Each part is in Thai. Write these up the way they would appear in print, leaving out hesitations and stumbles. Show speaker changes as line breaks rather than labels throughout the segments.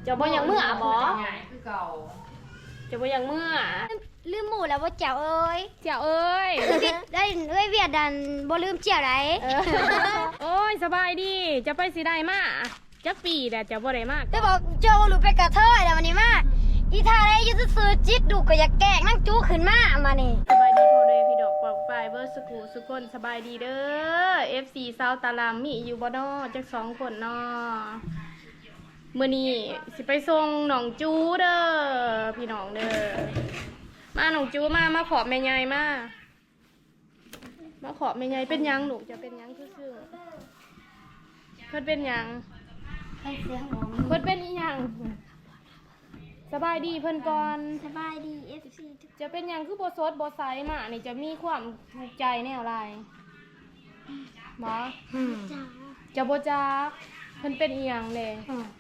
จะบ่ยังเมื่อบ่
คือเก่า
จะบ่ยังเมื่อ
ลืมหมูแล้วว่าเจ้าเอ้ย
เจ้าเอ้ย
ได้เอ้ยเวียดดันบ่ลืมเจ้าไร
โอ้ยสบายดีจะไปสิได้มาจักปีแต่จะบ่ได้มาก
ได้บอกเจ้าหลุดไปกระเทยแล้ววันนี้มาอีทาได้ยุติซื้อจิตดูก็อยากแกล้งนั่งจู้ขึ้นมานี่
สบายดีโพเลยพี่ดอกปอกปลายเบอร์สกูสุกคนสบายดีเด้อ FC ซาวตารามมีอยู่บ่น้อจัก2คนน้อมื้อนี้สิไปส่งหนองจูเด้อพี่น้องเด้อมาหนองจูมาขอแม่ใหญ่มาขอแม่ใหญ่เป็นหยังลูกจะเป็นหยังซื่อๆเพิ่นเป็นหยัง
ให้เสียงหมอ
เพิ่นเป็นอีหยังสบายดีเพิ่นก่อน
สบายดี FC
จะเป็นหยังคือบ่สดบ่ใสมานี่จะมีความถูกใจแนวไรหมอ
จ้า
จะบ่จักเพิ่นเป็นอีหยังเลย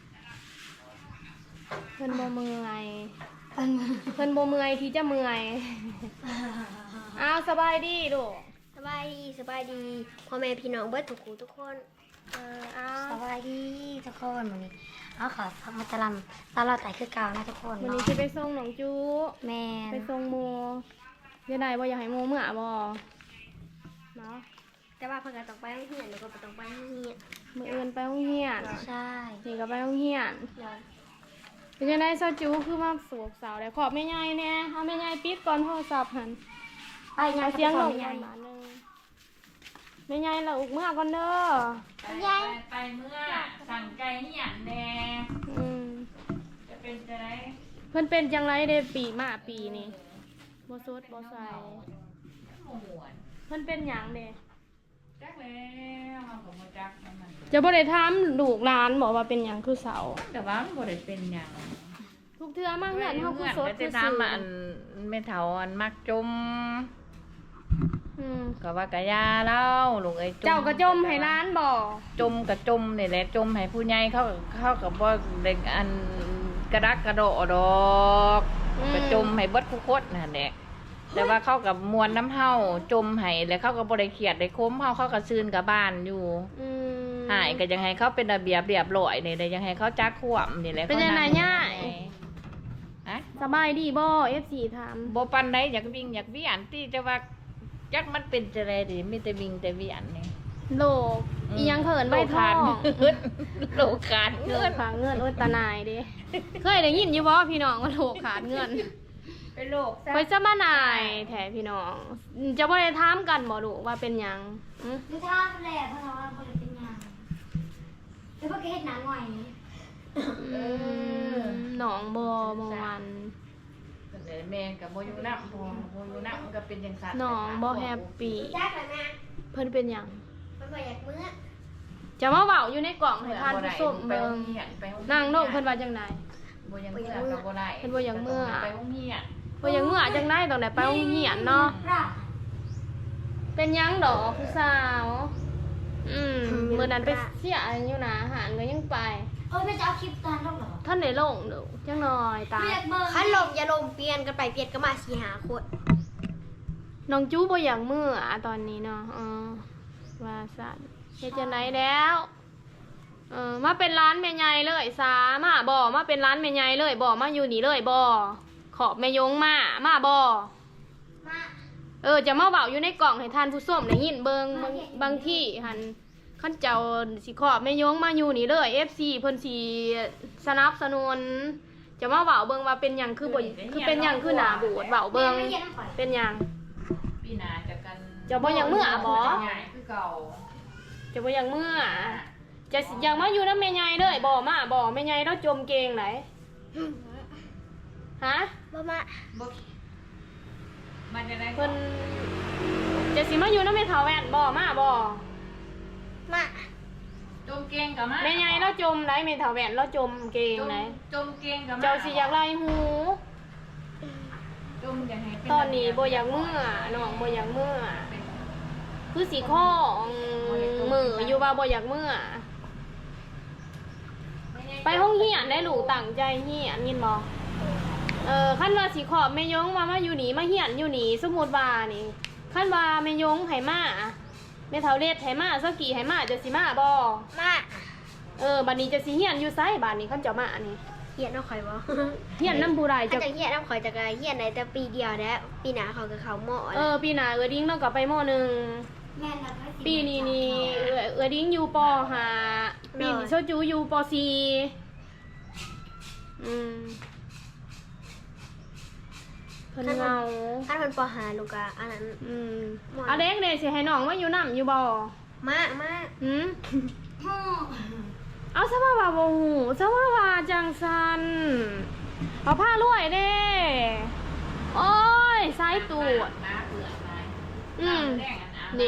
เพิ่นบ่เมื่อยเพิ่นบ่เมื่อยที่จะเมื่อยอ้าวสบายดีลูก
สบายดีพ่อแม่พี่น้องเบิดทุกคน
อ้าว
สบายดีทุกคนวันนี้เอาขอมาตะลำตลอดแต่คือเก่านะทุกคน
วันนี้สิไปส่งหนองจู
แม่
ไปส่งโมเดี๋ยวไหนบ่อยากให้โมเมื่อบ่เนาะ
แต่ว่าเพิ่นก็ต้องไปโรงเรียนแล้วก็บ่ต้องไปโรงเรียน
มื้ออื่นไปโรงเรียน
ใช่
นี่ก็ไปโรงเรียนเป็นจังได๋ซอจูคือมาสวกสาวได้ขอบแม่ใหญ่แน่เฮาแม่ใหญ่ปิดก่อนโทรศัพท์หั่น
ไปยาย
เสียงลงกันบาทนึงแม่ใหญ่ละอุกเมื่อก่อนเด้อ
ไปเมื่อสั่งไก่เหี่ยนแน่จะเป็นจะได้
เพิ่นเป็นจังไรเด้ปีมาปีนี้บ่สดบ่ใสเพิ่นเป็นหยังเด้
จักแล้วเฮาก็บ่จักมัน
จะบ่ได้ถามลูกหลานบอกว่าเป็นหยังคือเสา
แต่ว่ามันบ่ได้เป็นหยัง
ทุกเทื่อมาเฮือนเฮาคือสดคือซื่อ
อันแม่เฒ่าอันมักจมก็ว่ากะยาแล้วลูกไอ้
เจ้าก็จมให้ร้านบ่
จมกับจมนี่แหละจมให้ผู้ใหญ่เขาก็บ่ได้อันกระดักกระโดดดอกก็จมให้เบิดผู้คนนั่นแหละแต่ว่าเขากับมวลน้ำเฮาจมให้แล้วเขาก็บ่ได้เครียดได้ค้มเฮาเขาก็ซื่นกับบ้านอยู่หายก็ยังให้เขาเป็นระเบียบเรียบร้อยนี่ได้ยังให้เขาจักขวมนี่แหละ
เป็นจังได๋ย่าสบายดีบ่ FC ถาม
บ่ปานใดอยากวิ่งอยากเวียนที่จะว่าจักมันเป็นจะไรดิมีแต่วิ่งแต่เวียนนี่
โลกอีหยังเขินใบทอง
โลกขาดเงิน
ขาดเงินโอ้ยตาหนายเด้เคยได้ยินอยู่บ่พี่น้องว่าโลกขาดเงิน
เป็นโลกซะ
ไปซะมาหนายแท้พี่น้องจะบ่ได้ถามกันบ่ลูกว่าเป็นหยัง
คือถามแหละเพราะว่าบ่ได้เป็นหยังแล้วบ่เฮ็ดหนังหน่อย
หนองบ่เมื่อวัน
แม่กับโมยูนับโมยูนับมันก็เป็นอย่างสัตว์
น้องบ่แฮปปี้เพิ่นเป็นหยัง
เพิ่นบ่อยากมื้อ
จะมาเว้าอยู่ในกล่องให้ทานผู้ชมเบิ่งนางน้องเพิ่นว่าจังได๋
บ่อยากมื้อก็บ่ได้
เพิ่นบ่อยากมื้อ
ไปโรงเรียน
บ่อยากมื้อจังได๋ต้องได้ไปโรงเรียนเนาะเป็นหยังดอกผู้สาวมื้อนั้นไปเสียอยู่นะหารก็ยังไป
แม่จะเอาคลิปตอนลงเหรอ
ท่านได้ลงดูจังหน่อยตา
คันลงอย่าลงเปลี่ยนกันไปเปลี่ยนกันมา4-5คน
น้องจู้บ่อยากมื้อตอนนี้เนาะว่าซั่นเฮ็ดจังได๋แล้วมาเป็นร้านแม่ใหญ่เลยสามาบ่มาเป็นร้านแม่ใหญ่เลยบ่มาอยู่นี่เลยบ่ขอบแม่ยงมาบ่จะมาเว้าอยู่ในกล่องให้ท่านผู้ชมได้ยินเบิ่งบางที่หั่นขั้นเจ้าสิขอบแม่ยงมาอยู่นี่เลย FC เพิ่นสิสนับสนุนจะมาเว้าเบิ่งว่าเป็นหยังคือบ่คือเป็นหยังคือหน้าบูดเว้าเบิ่งเป็นหยัง
ปีหน้าจะกัน
จะบ่หยังมื้อบ่
คือเก่า
จะบ่หยังมื้อจะอยากมาอยู่นำแม่ใหญ่เลยบ่มาบ่แม่ใหญ่เราจมเก่งไหนฮะ
บ่มา
มันจะได้
เพิ่นจะสิมาอยู่นำแม่เฒ่าแว่นบ่มาบ่
มา
จมเก่งกับมา
แม่ใหญ่เราจมได้แม่เฒ่าแว่นเราจมเก่งไหน
จมเก่งกับมา
เจ้าสิอยากไล่หู
จมอยากให้
ตอนนี้บ่อยากมื้อน้องบ่อยากมื้อคือสิข้อมืออยู่ว่าบ่อยากมื้อไปห้องเฮียนได้ลูกตั้งใจเฮียนยินบ่คันว่าสิขอบแม่ยงมาอยู่นี่มาเฮียนอยู่นี่สมมุติว่านี่คันว่าแม่ยงให้มาแม่เฒ่าเล็ดให้มาซะกี่ให้มาจะสิมาบ่
มา
บัดนี้จะสิเฮียนอยู่ไสบัดนี้คันเจ้ามานี่
เฮียนเอาข่อยบ่
เฮียนน้ำผู้ใด
ถ้า
จะ
จะเฮียนเอาข่อยจะเฮียนได้แต่ปีเดียวแล้วปีหน้าเขาก็เข้าหมอ
ปีหน้าเออดิ้งเราก็ไปม.หนึ่ง
แม่นแล้ว
ปีนี้นี่เออดิ้งอยู่ป.ห้าปีนี้โชจูอยู่ป.สี่เพิ่นเงา
ถ้าเพิ่นปหาลูกอะอันนั้น
เอาเด็กเด้สิให้น้องมาอยู่นำอยู่บ่
มา
หืมเอาซะว่าบ่ฮู้ซะว่าจังซันเอาผ้ารวยเด้โอ้ยสายตูด
น้าเปลือกนาย
นี่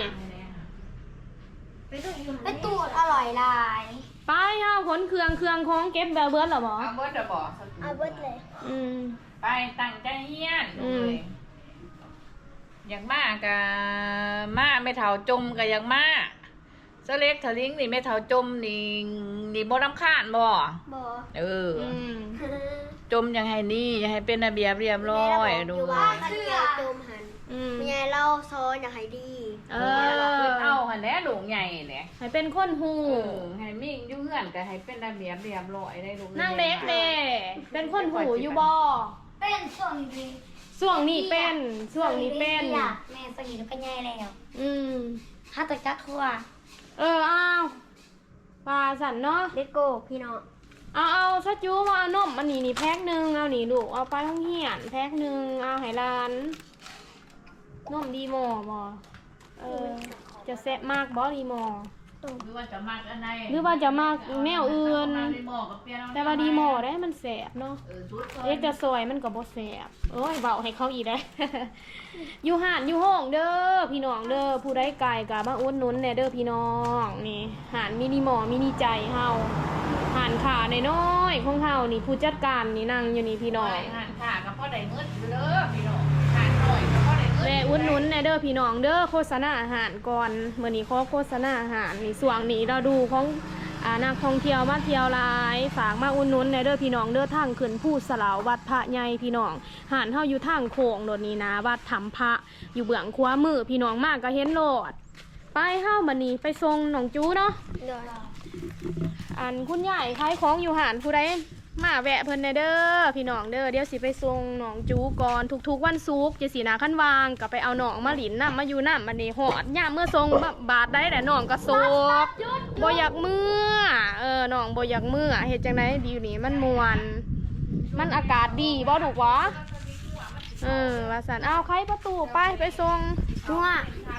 ไปตูดอร่อยหลาย
ไปเฮาขนเครื่องของเก็บแบบเบิดแล้วบ่
เอาเบิดจะบอก
เอาเบิดเลย
ไปตั้งใจเฮียน
อืม
อยากมากกะมาไม่เท่าจมกะอยากมาเสเล็กทะลิงนี่ไม่เท่าจมนี่บ่รำคาญบ่
บ่
เออจมยังให้นี่ยังให้เป็นระเบียบเรียบร้อยดู
ว่ากันเกี่ยวจมหัน
ม
แม่เราซ้อนอยากให้ดี
เอ
เอา
อ
หันแหล้วหลงใหญ่แหละ
ให้เป็นคนฮู้
ให้มิ่งอยู่เฮือนก็ให้เป็นระเบียบเรียบร้อยได้ลูก
นางเด็กเด้เป็นคนฮู้อยู่บ่
เป็นส่วนดี
ช่วงนี้เป็นช่วงนี้เป็น
แม่สนิทก็ใหญ่แล้ว
อืม
ถ้าตะจักทั่ว
อ้าวปลาสันเนาะ
เลโก้พี่น้อง
เอาซะจูมาเอานมอันนี้นี่แพ็คหนึ่งเอานี่ลูกเอาไปห้องเหียนแพ็คหนึ่งเอาให้ร้านนมดีมอบ่จะแซ่บมากบ่ดีมอ
หรือว่าจะมากอันใด
หรือว่าจะมากแนวอื่น
ดีหมอกับเปลี่ยนเอา
แต่ว่าดีมอได้มันแซ่บเนาะ
ชุด
เด็กจะสวยมันก็บ่แซ่บโอ้ยเบาให้เขาอีกได้ อยู่ห่านอยู่ห้องเด้อพี่น้องเด้อผู้ใดไกลก็มาอุดหนุนแหน่เด้อพี่น้องนี่ห่านมินิมอมินิใจเฮาห่านขาน้อยๆของเฮานี่ผู้จัดการนี่นั่งอยู่นี่พี่น้อง
หันขากับพ่อได้เงินเด้อพี่น้องหันหน่อยกับพ่อได้เงิน
แม่อุดหนุนแหน่เด้อพี่น้องเด้อโฆษณาอาหารก่อนมื้อนี้ขอโฆษณาอาหารนี่ส่วงนี้เราดูของนักท่องเที่ยวมาเที่ยวหลายฝากมาอุดหนุนแหน่เด้อพี่น้องเด้อทางขึ้นผู้สลาววัดพระใหญ่พี่น้องห่านเฮาอยู่ทางโค้งโดดนี้นะวัดถ้ำพระอยู่เบื้องขวามือพี่น้องมากก็เห็นโลดไปเฮามื้อนี้ไปส่งน้องจูเนาะ
เดี๋ยว
อันคุณยายขายของอยู่ห่านผู้ใดมาแวะเพิ่นแหน่เด้อพี่น้องเด้อเดี๋ยวสิไปส่งน้องจูก่อนทุกๆวันศุกร์จะสินาคันวางก็ไปเอาน้องมาหลินน้ำมาอยู่น้ำมันนี่หอดยามเมื่อส่งบาทได้แต่น้องก็โศกบ่อยากเมื่อน้องบ่อยากเมื่อเฮ็ดจังได๋ดีนี่มันม่วนมันอากาศดีบ่ถูกวะว่าซั่นเอาไขประตูไปส่ง
หัว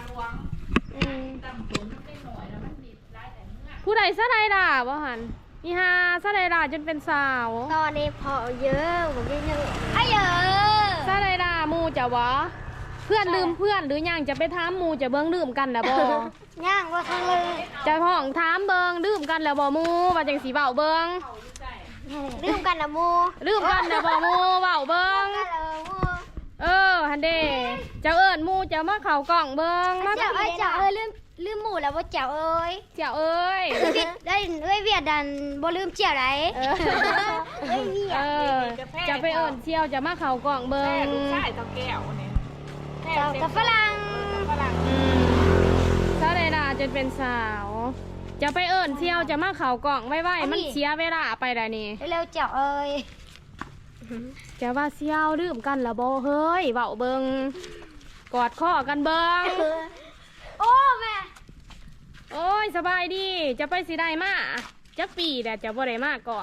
ผู้ใดซะใดล่ะบ่หั่นอีหาซะใดล่ะจนเป็นสาว
ตอนนี้พอเยอะผมเยอะไอ้เยอะ
ซะใดล่ะหมู่จะวะเพื่อนลืมเพื่อนหรือยังจะไปถามหมู่จะเบิ่งลืมกันน่ะบ่
ย่างว่าทั้งเลย
จะห้องถามเบิ่งลืมกันแล้วบ่หมู่ว่าจังสิเว้าเบิ่ง
ลืมกันนะมู
ลืมกันแล้วบ่หมู่เว้าเบิ่ง
กันเลยมู
หั่นเด้เจ้าเอิ้นหมู่จะมาเข้ากล่องเบิ่งมา
เจ้าเอ้ยเจ้าเอ้ยลืมหมูแล้วว่าเจ้าเอ้ย
เจ้าเอ้ย
ได้เอ้ยเวียดดันบ่ลืมเจ้าไรเอ้ยเวียด
จะไปเอิ้นเที่ยวจะมาเข้ากล่องเบิ่
แม่
ง
ลูกชายเท่าแก้วเนี่ย
เจ้ากับฝรั่ง
ฝรั่ง
ซะใดล่ะจนเป็นสาว จะไปเอิ้นเที่ยวจะมาเข้ากล่องไว้ๆมันเสียเวลาไปได้นี่
เร็วเจ้าเอ้ย
จะว่าเสี่ยวลืมกันละบ่เฮ้ยเว้าเบิงกอดข้อกันเบิง
โอ้แม่
โอ้ยสบายดีจะไปสิได้มาจักปีแต่จะบ่ได้มากล่อง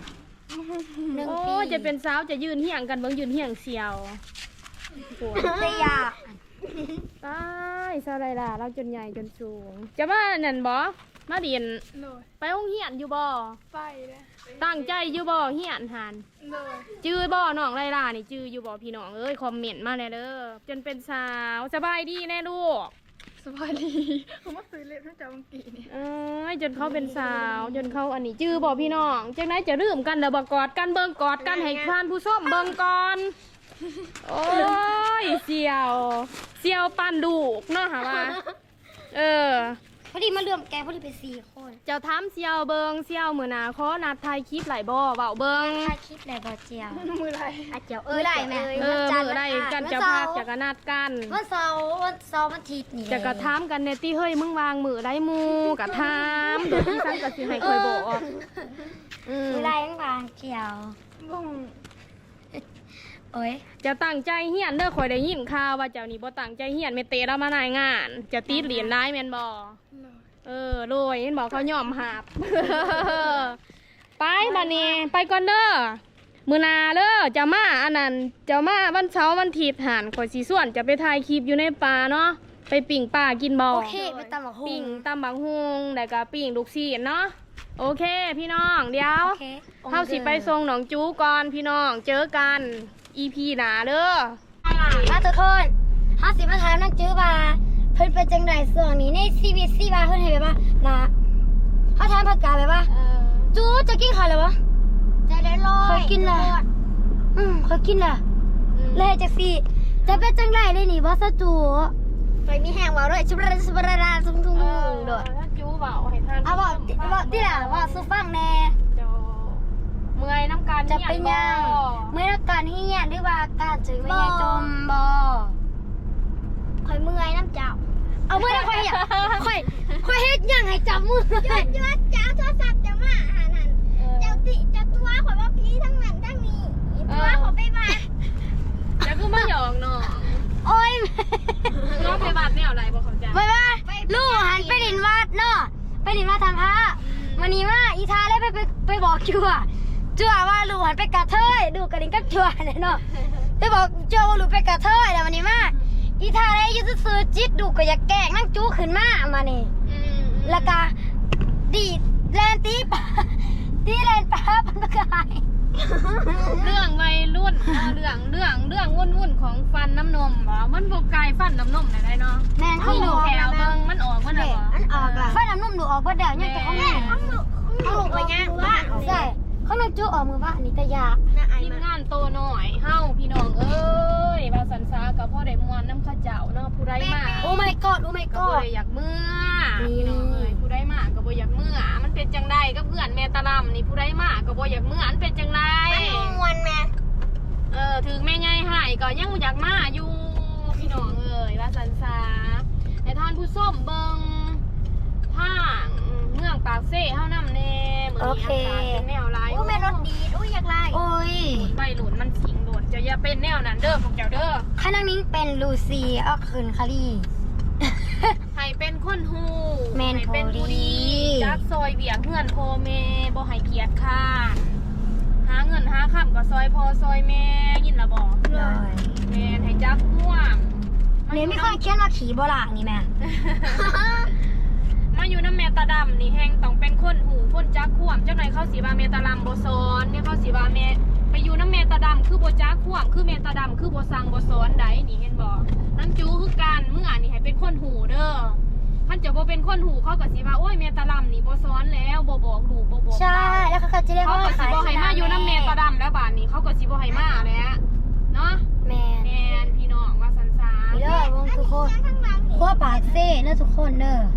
1
โอ้
ปี
ยจะเป็นสาวจะยืนเหี่ยงกันเบิงยืนเหี่ยงเสี่ยวปวด
แต่อยาก
ตายซะไรล่ะเราจนใหญ่จนสูง จะมานั่นบ่มาเรียนไปโรงเรียนอยู่บ่
ไปเลย
ตั้งใจอยู่บ่เหียนหัน
เลย
จื้อบ่น้องไรล่ะนี่จื้ออยู่บ่พี่น้องเอ้ยคอมเมนต์มาแน่เด้อจนเป็นสาวสบายดีแน่ลูก
สบายดีผมมาซื้อเล็บให้เจ้าบางกีนี่
จนเขาเป็นสาวจนเขาอันนี้จื้อบ่พี่น้องจังไหนจะลืมกันเด้อบ่กอดกันเบิ่งกอดกันให้ท่านผู้ชมเบิ่งก่อนโอ้ยเสี่ยวปันดูกเนาะหาว่า
พอดีมารวมแกพอดีเป็น4 คน
เจ้าถามเสี่ยวเบิ่งเสี่ยวมื้อหน้าขอนัดถ่ายคลิปหลายบ่เว้าเบิ่ง
ถ่ายคลิปได้บ่เจียว
มือไร
อ่ะเจียวเอ้ยได้แม่
มื้อใดกันจะพากจะกนัดกัน
วันเสาร์วันอาทิตย์นี่
จะกระถามกันแน่ติเฮ้ยมึงวางมือได้หมู่กะถามโดยที่ซั่นก็สิให้ค่อยบอก
มีลายทั้งบางเขียว
บ่ง
โอ้ย
จะตั้งใจเฮียนเด้อข่อยได้ยินข่าวว่าเจ้านี่บ่ตั้งใจเฮียนแม่เตแล้วมานายงาน จะติดเหรียญร้ายแม่นบ่
เลย
โรยเห็นบอกเขายอมหาบ ไปบัดนี้ไปก่อนเด้อมื้อหนาเด้อจะมาอันนั้นจะมาวันเสาร์วันอาทิตย์หันข่อยสิส่วนจะไปถ่ายคลิปอยู่ในป่าเนาะไปปิ่งป่ากินบ่
โอเคไปตำบักหุ่
ปิ่
ง
งตำบักฮุงแล้วก็ปิ่งลูกชิ้นเนาะโอเคพี่น้องเดี๋ยว
โอเค
เฮาสิไปส่งหนองจูก่อนพี่น้องเจอกัน EP หน้าเด้อ
มาทุกคนห้าสิบมาถามนักจื้อว่าเพิ่นเป็นจังไดส่วนนี้ในชีวิตซีว่าเพิ่นให้แบบว่านะเขาถามผักกาแบบว่าจูจะกินข้าวเลยวะ
ใจได้ลอย
เคยกินแหละเคยกินแหละเลยจักสิจะเป็นจังไดเลยนี่บ่ซะจูไปมีแหงเว้าด้วยชุบระชุบระทุ่งโดด
ถ้าจูเบาให้ท่าน
เอาบอกที่ล่ะว่าสู้ฟังแน่
เจ้าเมื่อยน้ำการ
จะเป็นยัง
บ่
เมื่อการเฮียนหรือว่าการจื้อไม่ให้จมบ่ข่อยเมื่อยน้ำเจ้าเอาเมื่อได้ข่อยอยากข่อยเฮ็ดหยังให้จับมือ
เจ้าโทรศัพท์จะมาหานั่นเจ้าติเจ้าตัวข่อยว่าพี่ทั้งนั้นทั้งนี้ตัวขอไปบ้าน
จะคือมาหยอกเนาะ
โอ้ย
น้องไปบาดแนวอะไรบอกเขาใจ
ไปว่าลูกหันไปดินวัดเนาะไปดินวัดทำพระวันนี้ว่าอีทาเลยไปบอกจั่วว่าลูกหันไปกระเทยดูกระดิ่งกับจั่วเนี่ยเนาะไปบอกจั่วว่าลูกไปกระเทยแล้ววันนี้ว่าอีทาเลยยืดซื้อจิตดูก็อยากแกล้งนั่งจู้ขึ้นมานี่แล้วก็ดีดแลนตีปะตีแลนปะพันประกาย
เรื่องวัยรุ่นเรื่องวุ่นของฟันน้ำนมเหรอมันบกไกลฟันน้ำนมไหนเนาะ
แม่น
มี
ที่
ห
ดู
นูแถวเบิ้งมันออกมันอะไร
มันออกละไฟน้ำนุ่มดูออกบ่เดี๋ยวเนี่ยแต่เขาแม่เขาลูกไปย่างบ้านใช่เขานั่งจู้ออกมือบ้านนี่แต่ยาก
ทีมงานโตหน่อยเฮ้าพี่น้องเอ้ยบาสันซากับพ่อได้มวนน้ำข้าเจ้าเนาะผู้ได้มา
โอ้ my god โอ้ my
ก็บ่
god
อยากเมื่อพี่น้องเอ้ยผู้ได้มาก็บ่อยากเมื่อมันเป็นจังไดก็เพื่อนแม่ตะลำนี่ผู้ได้มาก็บ่อยากเมื่ออันเป็นจังได
มวนแม่
ถึงแม่ใหญ่หายก็ยังอยากมาอยู่พี่น้องเอ้ยว่าสันซาแต่ท่านผู้ส้มเบิงทางเมืองปากเซ่เฮานำแน่เหมือนนี้อากาศเป็นแนวร้าย
โอ้แม่รถดีอุ้ยอยากไล่
โอ้ย
ใบหลุนมันสิงโดดจะอย่าเป็นแนวนั้นเด้อพวกเจ้าเด้อ
ข้านั่งนิ้งเป็นลูซี่ออกคืนคารี
ให้เป็นคนฮู
แม่น
ให้เป็นผู้ดี
พอดี
จักซอยเบียกเงื่อนโพเมบ่ให้เกียจค่ะหาเงินหาค่ำก็ซอยพอซอยแม่ยินละบอก
เลย
แม่นให้จักม่วง
เนี่ยไม่ค่อยเขียนว่าขี่โบราณนี่แม่
มาอยู่น้ำแม่ตาดำนี่แห้งต้องเป็นคนหูคนจักข่วมเจ้าหน่อยเข้าสีบาเมตาลำโบซอนเนี่ยเข้าสีบาเมไปอยู่น้ำเมตาดำคือโบจักข่วมคือเมตาดำคือโบซังโบซอนได้นี่เห็นบอกน้ำจูคือการเมื่อนี่ให้เป็นคนหูเด้อท่านจะโบเป็นคนหูเขากับสีบาโอ้ยเมตาลำนี่โบซอนแล้วโบบอกดูโบบอก
ใช่แล้วเขาก็จะเรียก
เขา
ว่า
กับสีโบให้มาอยู่น้ำเมตาดำแล้วบานนี้เขากับสีโบให้มาแล้วเนาะ
แมน
แมนพี่น้องว่าสันซา
นี่เด้อวงทุกคนขั้วปากเซ่เด้อทุกคนเด้อ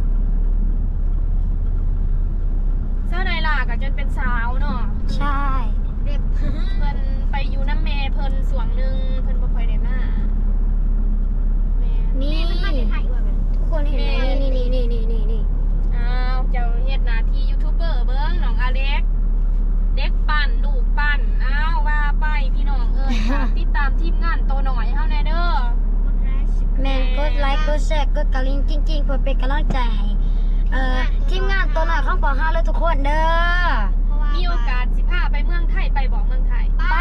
เจ้านายล่ะก็จนเป็นสาวเนาะ
ใช่
เพิ่นไปอยู่น้ำแม่เพิ่นสวงหนึ่งเพิ่นบ่ค่อยได้มาแม่
นี่ทุกคนเห็นไหมนี่
อ้าวเจ้าเฮ็ดหน้าที่ยูทูบเบอร์เบิ่งน้องอเล็กเด็กปั่นลูกปั่นอ้าวว่าไปพี่น้องเอ้ยฝากติดตามทีมงานโตหน่อยเฮาแน่เด้อ
แมนกดไลค์กดแชร์กดกระลิ่งจริงๆเพื่อเป็นกำลังใจให้ทีมงานตัวหน่อยข้างปอ5เลยทุกคนเด้อ
มีโอกาสสิพาไปเมืองไทยไปบอกเมืองไทย
ไป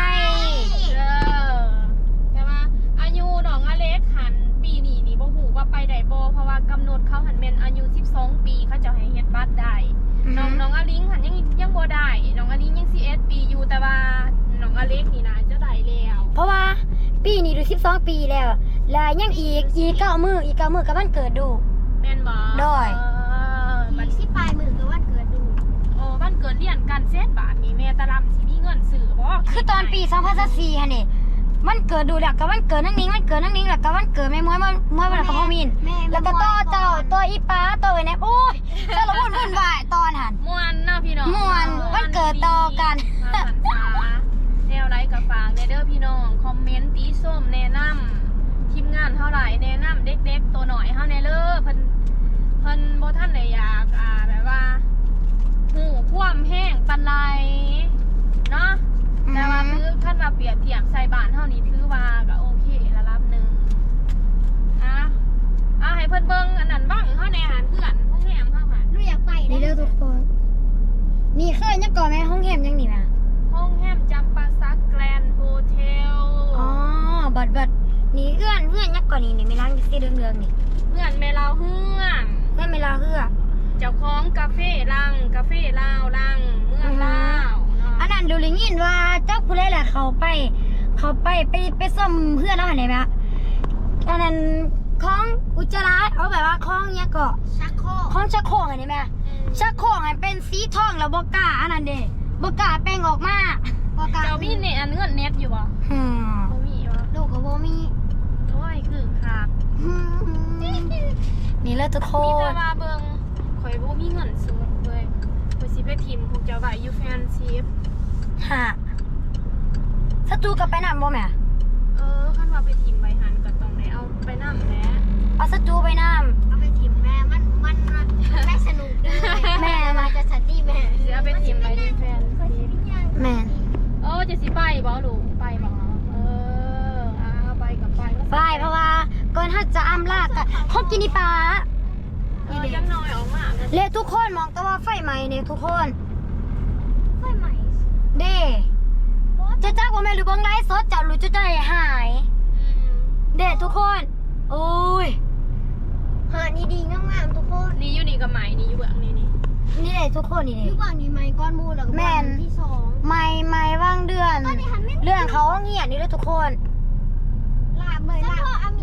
ใช่ไหมอายุน้องอเล็กหันปีนี้นี่บ่ฮู้ว่าไปได้บ่เพราะว่ากำหนดเขาหันแม่นอายุ12ปีเขาจะให้เฮ็ดบัตรได้น้องอลิงหันยังบ่ได้น้องอลิงยัง11ปีอยู่แต่ว่าน้องอเล็กนี่นะจะได้แล้ว
เพราะว่าปีนี้ดู12 ปีแล้ว แล้วยังอีก9มื้อกับวันเกิดดู
แม่นบ่
ได้
อีกสิปลายมือคือวันเกิดดู
โอ้บ้านเกิดเรียนกันเซตบาทนี่แม่ตะลำสิมีเงินซื้อบ่
คือตอนปี2024ฮะนี่มันเกิดดูแล้วก็วันเกิดนั่งนิ้งแล้วก็วันเกิดแม่ม้วยวันกับพ่อมินแล้วก็ต่ออีป้าต่อไอ้แนบโอ้ยสารวุ่นวายตอนหัน
ม่วนเนาะพี่น้อง
ม่วนวันเกิดต่อกัน
หันษาแนวไรกับฝากเด้อพี่น้องคอมเมนต์ตีส้มแนะนำทีมงานเท่าไหร่แนะนำเด็กๆตัวหน่อยเฮาแน่เด้อเพิ่นบ่ทันได้อยากแบบว่าหูความแห้งปันไรเนาะแต่ว่าคือขั้นมาเปรียบเทียบใส่บ้านเท่านี้ถือว่าก็โอเคระดับหนึ่งให้เพิ่นเบิ่งอันนั้นบ้างเฮาในอาหารเพื่อนห้องแหมเฮาหา
หนูอยากไป
นี่เด้อทุกคน นี่เคยยังก่อนไหมห้องแฮมยังนี่นะ
ห้องแหมจำปาซักแกรนด์โฮเทล
อ๋อบัดนี่เอื้อนยังก่อนนี่ไม่ล้างสีเรืองๆนี่
เพื่อนแม่เราเฮือง
เพื่อนไม่ลาเฮือ
เจ้าของกาเฟ่ลังกาเฟ่ลาวลังเมืองลาวเนาะ
อันนั้นดูลิงินว่าเจ้าผู้ใดล่ะเขาไปซ่อมเพื่อนแล้วเห็นไหมคะอันนั้นของอุจจาระเอาแบบว่าของเนี้ยก็
ชักโครก
ของชักโครกเห็นไหมชักโครกเป็นสีทองแล้วบกล้าอันนั้นเด้บกล้าแป้งออกมา
พอกา
เจ้ามีเนี่ยอันเงินเน็ตอยู่บ่
อืม
บ่มีบ่
ลูกกับโบมี
โอ้ยคือขาด
นี่เลยทุกค
มีแต่
น
ว่าเบิ่งข่อยบ่มีเงินซื้อเลยข่อยสิไปทิมพวกเจ้าไว้อยู่แฟนซีฟ
ฮะสตูกับไปนำบ่แม่
คันว่าไปทิมไว้หันก็ต้องได้เอาไปนำแหละ
เอาสตูไปน
เอาไปทิมแม่มันไม่สนุกเลย
แม่
มาจะสันติแม่
สิเอาไปทิมไว้ในแฟนซีฟ
ำแม่น
จะสิไปบ่ลูกไปบ่เอาไปกับไป
ไปเพราะว่าก่อนถ้าจะอ้ำลากะห้องกินนี่ปลา
ยังน้อยออกมา
เรียกทุกคนมองแต่ว่าไฟไหม้เนี่ยทุกคน
ไฟใหม่
เด้จะจ้าว่าแม่หรือเบังไลฟ์สดจะรู้จะใจหาย เด้ทุกคน โอ้ย
หานี่ดีงามๆทุกคน
นี่อยู่นี่กับไหมนี่อยู่เบื้องนี่
นี่เด้ทุกคนนี่
พี่
เด้
บางนี่ไม้ก้อนมูแล้วก็
แม่น
ที่สอง
ไม่ว่างเดือน เรื่องเขาเงียบนี่เลยทุกคน
ลาบเลยลาบ